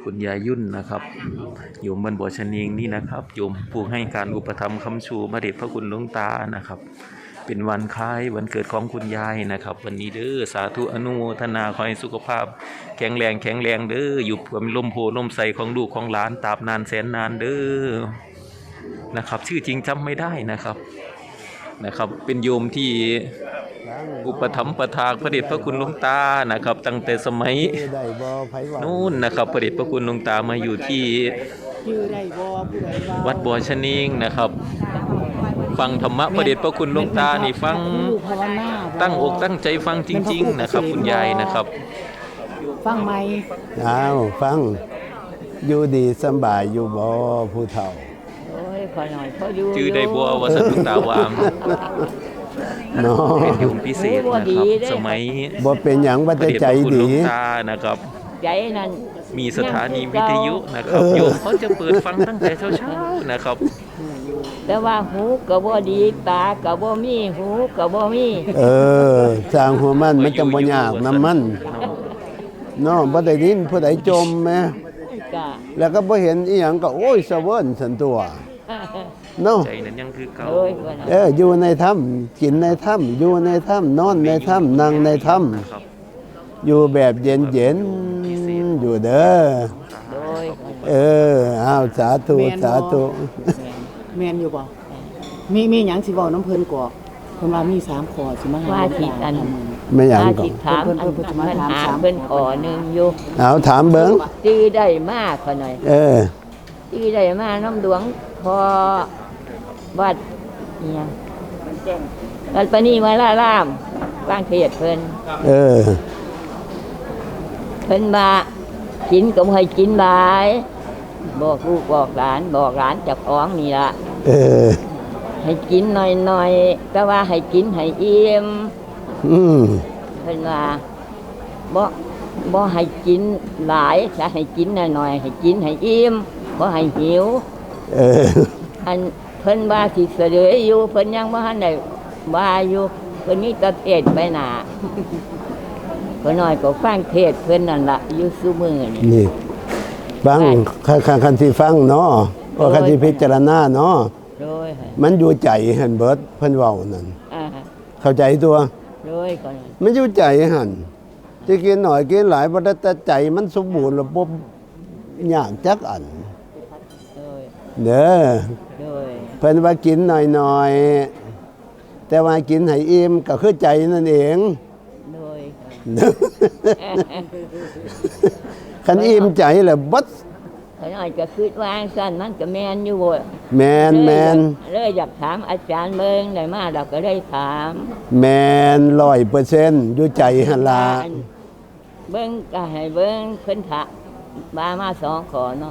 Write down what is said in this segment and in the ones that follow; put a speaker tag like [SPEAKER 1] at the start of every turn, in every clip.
[SPEAKER 1] คุณยายยุ่นนะครับโยมบ้านบัวชนีงนี่นะครับโยมผู้ให้การอุปถัมภ์ค้ำชูพระเดชพระคุณหลวงตานะครับเป็นวันคล้ายวันเกิดของคุณยายนะครับวันนี้เด้อสาธุอนุโมทนาขอให้สุขภาพแข็งแรงเด้ออยู่กับลมโพลมใสของลูกของหลานตราบนานแสนนานเด้อนะครับชื่อจริงจำไม่ได้นะครับเป็นโยมที่อุปถัมภ์ประทานพระเดชพระคุณหลวงตานะครับตั้งแต่สมัยนู่นนะครับพระเดชพระคุณหลวงตามาอยู่ที่วัดบัวชนีงนะครับฟังธรรมะพระเดชพระคุณหลวงตานี่ฟังตั้งอกตั้งใจฟังจริงๆนะครับคุณยายนะครับ
[SPEAKER 2] ฟังไหม
[SPEAKER 3] ฟังอยู่ดีสบายอยู่บ่ผู้เฒ่า
[SPEAKER 2] โอ้ยขอหน่อยพออยู่
[SPEAKER 1] ชื่อได้บัววสันตุตาวามเป็นโยมพิเศษนะครับสมัย
[SPEAKER 3] บ่เป็นหยังว่าจะใจดี
[SPEAKER 1] นะครับ
[SPEAKER 2] ใจนั้น
[SPEAKER 1] มีสถานีวิทยุนะครับโยมเขาจะเปิดฟังตั้งแต่เช้าๆนะครับ
[SPEAKER 2] แต่ว่าหูก็บ่ดีตาก็บ่มีหูก็บ่มี
[SPEAKER 3] สร้างหัวมันจะบ่ยากน้ำมันเนาะบ่ได้ยินผู้ใดจมแม่แล้วก็บ่เห็นอีหยังก็โอ้ยสะเวิ้นสันตัวเนาะ
[SPEAKER 1] ใจนั้นยังคือเก่า
[SPEAKER 3] อยู่ในถ้ำกินในถ้ำอยู่ในถ้ำนอนในถ้ำนั่งในถ้ำอยู่แบบเย็นอยู่เด้อสาธุ
[SPEAKER 4] แมนอยู่บ่มีหยังสิเว้าน้ำเพิ่นก่อเพิ่นว่ามี3ข้อสิมาหา
[SPEAKER 2] ว่าสิอัน
[SPEAKER 3] ไม่หยัง
[SPEAKER 2] ก็ถามเพิ่นขอนึงอยู่
[SPEAKER 3] ถามเบิ่ง
[SPEAKER 2] ชื่อได้มากขอหน่อยชื่อได้มาน้ำหลวงพอวัดเนี่ยวัดปณีมาล่ามบางเทศเพิ่นเพิ่นมากินก็บ่ให้กินหลายบอกลูกบอกหลานเจ้าของนี่ล่ะให้กินหน่อยๆก็ว่าให้กินให้อิ่มเพิ่นว่าบ่ให้กินหลายถ้าให้กินหน่อยๆให้กินให้อิ่มบ่ให้หิวอันเพิ่นว่าสิเสด็จอยู่เพิ่นยังบ่ทันได้ว่าอยู่เพิ่นมีแต่เทศไปหน้าเพิ่นน้อยก็ฟังเทศเพิ่นนั่นล่ะอยู่ซุมื้อ
[SPEAKER 3] นี่ฟังคันที่ฟังเนาะว่าคันที่พิจารณาเนาะมันอยู่ใจหั่นเบิดเพิ่นเว้านั่นเข้าใจตัวมันอยู่ใจหั่นสิกินหน่อยกินหลายบ่ได้แต่ใจมันสมบูรณ์แล้วบ่ยากจักอันเด้อเพิ่นว่ากินหน่อยๆแต่ว่ากินให้อิ่มก็คือใจนั่นเองคันอิ่มใจแล้วบัด
[SPEAKER 2] ขน้อยก็คิดว่าซั่นมันก็แม่นอยู่บ่
[SPEAKER 3] แม่น
[SPEAKER 2] เลยอยากถามอาจารย์เบิ่งได้มาเราก็ได้ถาม
[SPEAKER 3] แม่น 100% อยู่ใจหั่นล่ะ
[SPEAKER 2] เบิ่งก็ให้เบิ่งเพิ่นถามมา2ข้อเนาะ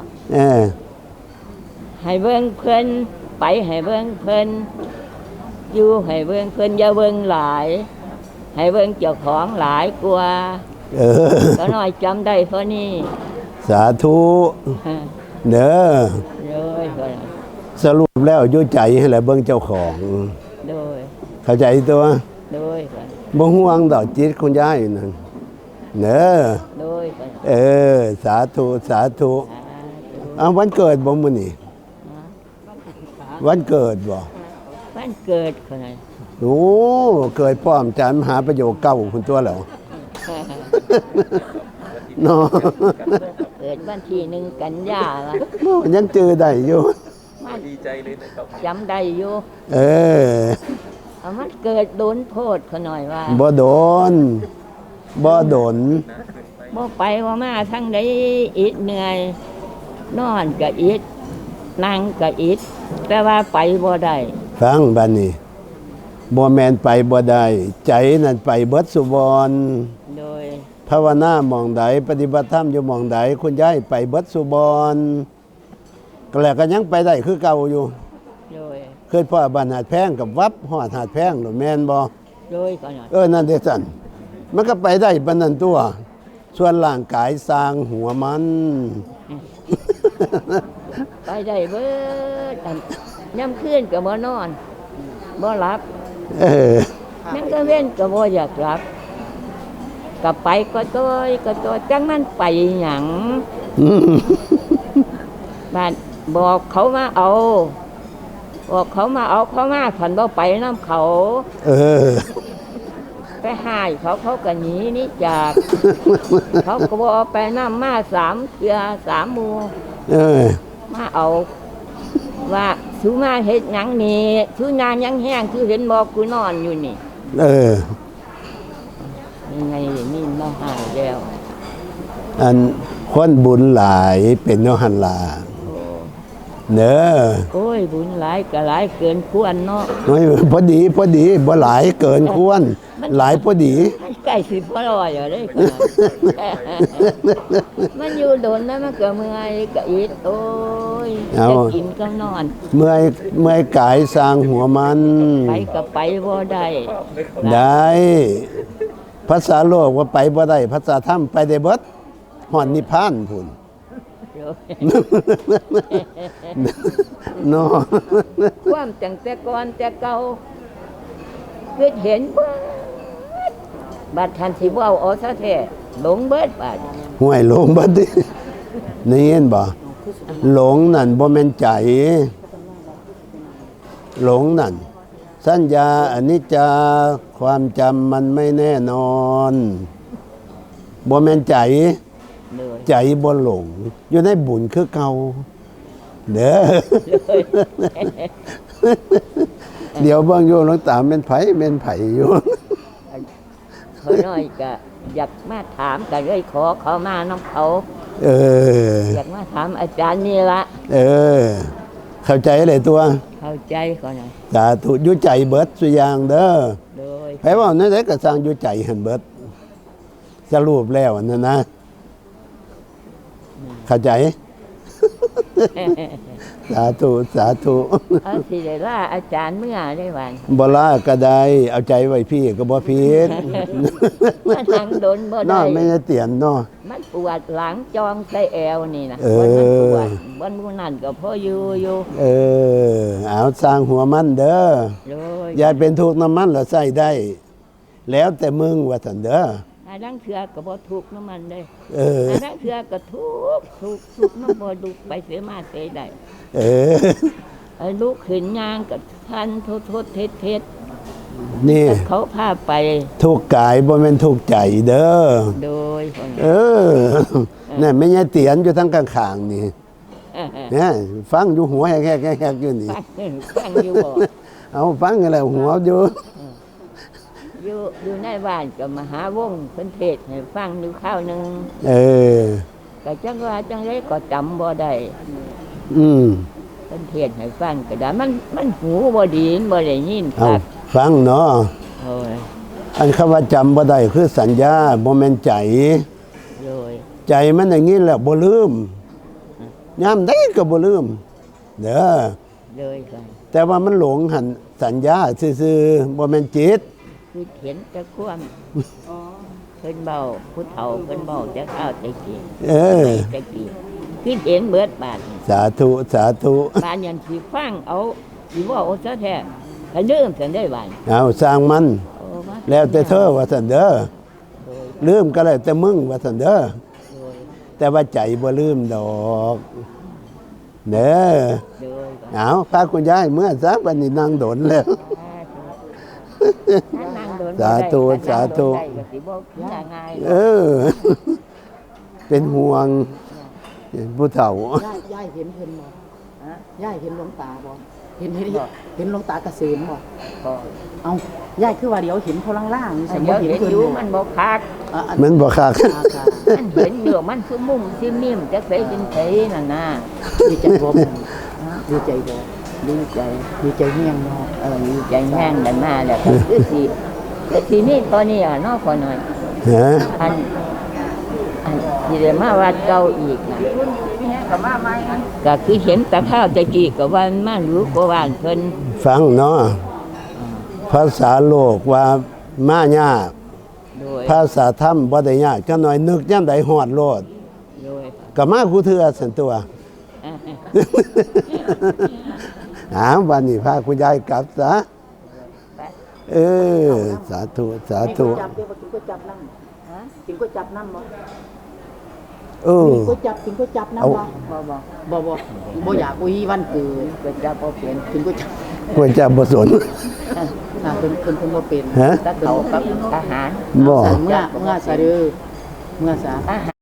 [SPEAKER 2] ให้เบิ่งเพิ่นไปให้เบิ่งเพิ่นอยู่ให้เบิ่งเพิ่นอย่าเบิ่งหลายให้เบิ่งเจ้าของหลายกว่าก็น้อยจำได้เท่านี้
[SPEAKER 3] สาธุเด้อสรุปแล้วอยู่ใจให้แหละเบิ่งเจ้าของเข้าใจตัวบ่ห่วงดอกจิตคุณยายนั่นเด้อสาธุวันเกิดบ่มื้อนี้วันเกิดบ่
[SPEAKER 2] วันเกิดคนนั้น
[SPEAKER 3] โอ้เกิดพร้อมจานมหาประโยคเก่าคุณตัวแล้วเนาะ
[SPEAKER 2] เกิดวันที่1 กันยายนล่ะ
[SPEAKER 3] ยังเจอได้อยู่
[SPEAKER 1] ดีใจเลยนะครับ
[SPEAKER 2] จำได้อยู่มันเกิดโดนโพดเขาหน่อยว่า
[SPEAKER 3] บ่โดน
[SPEAKER 2] บ่ไปว่ามาทั้งใดอิดเหนื่อยนอนก็อิดนั่งก็อิดแต่ว่าไปบ่ได้
[SPEAKER 3] ฟังบัดนี้บ่แม่นไปบ่ได้ใจนั่นไปเบิดสุบร
[SPEAKER 2] โดย
[SPEAKER 3] ภาวนาหม่องใดปฏิบัติธรรมอยู่หม่องใดคุณยายไปเบิดสุบรก็แล้วก็ยังไปได้คือเก่าอยู่
[SPEAKER 2] โดย
[SPEAKER 3] เคยพ่อบ้านหาดแพงกับวัดฮอดหาดแพงหรือแม่นบ่
[SPEAKER 2] โดยก่อน
[SPEAKER 3] นั่นเด้ซั่นมันก็ไปได้ปานนั้นตัวส่วนร่างกายสร้างหัวมัน
[SPEAKER 2] ไปได้เบิดย่ำคืนก็บ่นอนบ่หลับมันก็เว้นก็บ่อยากหลับก็ไปก็ตัวจังมันไปหยังบ้านบอกเขามาเอาบอกเขามาเอาเขามาผันบ่ไปน้ำเขา
[SPEAKER 3] เออ
[SPEAKER 2] ไปหายเขาก็หนีนี่จาก เขาก็บอกเอาไปน้ำมา3 เทื่อ3 หมู่
[SPEAKER 3] เออ
[SPEAKER 2] มาเอาว่าสูมาเฮ็ดหยังนี่สูนานยังแห้งคือเห็นบอกกูนอนอยู่นี่
[SPEAKER 3] เออ
[SPEAKER 2] ยังไงนี่มาหายแล้ว
[SPEAKER 3] อันคนบุญหลายเป็นโนหันลา
[SPEAKER 2] โอ้
[SPEAKER 3] เด้อ
[SPEAKER 2] โอ้ยบุญหลายก็หลายเกินควรเนาะ
[SPEAKER 3] โอ้ยพอดีบ่หลายเกินควร หลายพอดี
[SPEAKER 2] มันใกล้สิพอร้อยแล้วเด้ขนาด มันอยู่โดนแล้วมันก็เมื่อยก็อิดโอ้ย
[SPEAKER 3] เอา
[SPEAKER 2] จะกินก็นอน
[SPEAKER 3] เมื่อยกายสร้างหัวมัน
[SPEAKER 2] ไปก็ไปบ่ได้
[SPEAKER 3] ได้ภาษาโลกว่าไปบ่ได้ภาษาธรรมไปได้เบิดฮอดนิพพานพุ่น
[SPEAKER 2] เดี๋ยว
[SPEAKER 3] เนาะ
[SPEAKER 2] ความจังแต่ก่อนแต่เก่าคือเห็นเบิดบัดทันสิบ่เอาซะแท้หลงเบิดบาด
[SPEAKER 3] ห่วยหลงบัดนี้นี่เห็นบ่หลงนั่นบ่แม่นใจ หลงนั่นสัญญาอนิจจาความจำมันไม่แน่นอนบ่แม่นใจ
[SPEAKER 2] เลย
[SPEAKER 3] ใจบ่หลง อยู่ในบุญคือเก่าเด้อ เดี๋ยวเบิ่งอยู่หลวงตาแม่นไผอยู่
[SPEAKER 2] เขาน้อยก็อยากมาถามก็เลยขอเขามาน้ำเขา
[SPEAKER 3] เออ
[SPEAKER 2] อยากมาถามอาจารย์นี่ละ
[SPEAKER 3] เออ เข้าใจเลยตัว
[SPEAKER 2] เข้าใจเขาหน่อย
[SPEAKER 3] สาธุอยู่ใจเบิดสุอย่างเด้อ
[SPEAKER 2] โดย
[SPEAKER 3] ไผว่านั่นได้ก็สร้างอยู่ใจหันเบิดสรุปแล้วนั่นนะ เข้าใจ สาธุสาธุ
[SPEAKER 2] เอาสิได้ล่าอาจารย์เมื่อได้วัน
[SPEAKER 3] บ่ลาก็ได้ เอาใจไว้พี่ก็บ่ผิด
[SPEAKER 2] มันทางโดนบ่
[SPEAKER 3] เนาะ
[SPEAKER 2] ได้
[SPEAKER 3] ไม่ได้เตียนเนาะ
[SPEAKER 2] มันปวดหลังจองใส่แอวนี่นะ
[SPEAKER 3] เออ
[SPEAKER 2] วันมันปวดวันมูนั่นก็พออยู่
[SPEAKER 3] เออ เอาสร้างหัวมันเด้อ
[SPEAKER 2] โดย
[SPEAKER 3] อย่าเป็นทุกข์น้ำมันแล้วใส่ได้ แล้วแต่มึงว่าซั่นเด้อ
[SPEAKER 2] อันนั้นเถือก็บ่ทุกข์น้ำมันได้
[SPEAKER 3] เออ
[SPEAKER 2] อันนั้นเถือก็ทุกข์น้ำบ่ดุไปเสียมาเสียได้
[SPEAKER 3] เออ
[SPEAKER 2] ไอ้ลูกขึ้นยางกับทันโทษเท็ด
[SPEAKER 3] นี่
[SPEAKER 2] เขาพาไป
[SPEAKER 3] ทุกข์กายบ่แม่นทุกข์ใจเด้อ
[SPEAKER 2] โดยคน
[SPEAKER 3] เออนั่นไม่ใช่เตียนอยู่ทั้งข้างๆนี่เนี่ยฟังอยู่หัวแหกๆๆอยู่นี่
[SPEAKER 2] ฟังอยู่บ่
[SPEAKER 3] เอาฟังกันแล้วหัวอยู่
[SPEAKER 2] อยู่ในบ้านก็มหาวงเพิ่นเทศน์ให้ฟังอยู่ข้าวหนึง
[SPEAKER 3] เออ
[SPEAKER 2] ก็จังว่าจังไดก็จำบ่ได้
[SPEAKER 3] อืม
[SPEAKER 2] เพิ่นเทศน์ให้ฟังก็ได้มันหูบ่ดีมันบ่ได้ยินค
[SPEAKER 3] เอา
[SPEAKER 2] รับ
[SPEAKER 3] ฟังเนาะ
[SPEAKER 2] โอ้ย
[SPEAKER 3] อันคำว่าจำบ่ได้คือสัญญาบ่แม่นใจ
[SPEAKER 2] โดย
[SPEAKER 3] ใจมันอย่างนี้แหละบ่ลืมยามใดก็บ่ลืมเด้อ
[SPEAKER 2] เลยกัน
[SPEAKER 3] แต่ว่ามันหลงหันสัญญาซื่อๆบ่แม่นจิต
[SPEAKER 2] คือเห็นแต่ความเพิ่นเบาผู้เฒ่าเพิ่นเบาจะข้าวแต่กี้
[SPEAKER 3] เออ
[SPEAKER 2] แต่กี้คือเห็นเบิดบาดนี่
[SPEAKER 3] สาธุสาธุ
[SPEAKER 2] บ้านยันสิฟังเอาสิว่าเอาซะแท้ถ้าลืมกันได้บ้าน
[SPEAKER 3] เอาสร้างมัน
[SPEAKER 2] โอ้มา
[SPEAKER 3] แล้วแต่เธอว่าซั่นเด้อ
[SPEAKER 2] โดย
[SPEAKER 3] ลืมก็แล้วแต่มึงว่าซั่นเด้อ
[SPEAKER 2] โดย
[SPEAKER 3] แต่ว่าใจบ่ลืมดอกเด้อ
[SPEAKER 2] โดยบ้าน
[SPEAKER 3] เอาพาคุณยายเมื่อซะบัดนี้นั่งโดนแล้ว
[SPEAKER 2] ถ้านั่งโดน
[SPEAKER 3] สาธุสาธุ
[SPEAKER 2] ได้ก็สิบ่ขึ้นง่าย
[SPEAKER 3] เออ เป็นห่วงผู้เฒ่า
[SPEAKER 4] ย่ายเห็นเพิ่นบ่ย่ายเห็นหลวงตาบ่เห็นหลวงตาเกษมบ่
[SPEAKER 2] ก็
[SPEAKER 4] เอาย่ายคือว่าเดี๋ยวเห็นเขาล่างๆนี่สมมุ
[SPEAKER 2] เดี๋ยว
[SPEAKER 4] ติเห็น
[SPEAKER 2] เห็น
[SPEAKER 4] เพิ่น
[SPEAKER 2] อยู่
[SPEAKER 4] บ่
[SPEAKER 2] มันบ่คัก
[SPEAKER 3] มันบ่คัก
[SPEAKER 2] มันเห็นอยู่มันคือมุ่งคือมิ่มจักไสเป็นไสนั่นน่ะ
[SPEAKER 4] ดีใจบ่ดีใจบ่
[SPEAKER 2] ดีใจ
[SPEAKER 4] ดีใจแห้งเนาะ
[SPEAKER 2] ดีใจแห้งกันมาแล้วก็คือสิแต่ทีนี้ตอนนี้อ่ะเนอกพอหน่อย
[SPEAKER 3] ฮะ
[SPEAKER 2] อันที่ได้มาวัดเก่าอีกนะก็คือเห็นแตะข้าวตะกี้กับวันมารู้กว่าเพิ่น
[SPEAKER 3] ฟังเนาะภาษาโลกว่ามายาก
[SPEAKER 2] โดย
[SPEAKER 3] ภาษาธรรมบ่ได้ยากจักหน่อยนึกยามใดฮอดโลด
[SPEAKER 2] โดย
[SPEAKER 3] ก็มาคูเทื่อซั่นตัว วันนี้พาคุณยายกลับซะเออสาธุสาธุ
[SPEAKER 4] จับเดี๋ยวกินก็จับนั่งกินก็จับนั่งบ่มีก๋วยจับกินก๋วยจับน้ำบ่บ่อยากบ่ฮีวันเกิด
[SPEAKER 2] ก๋วยจั๊บบ่เป็น
[SPEAKER 4] กินก๋วยจับ
[SPEAKER 3] ก๋วยจั๊บบ่สน
[SPEAKER 4] เพิ่นบ่เป็น
[SPEAKER 3] ฮะ
[SPEAKER 2] ตักเขากับอาหาร
[SPEAKER 3] บ่
[SPEAKER 4] เมื่อซะเด้อเมื่อซะ
[SPEAKER 2] อาหาร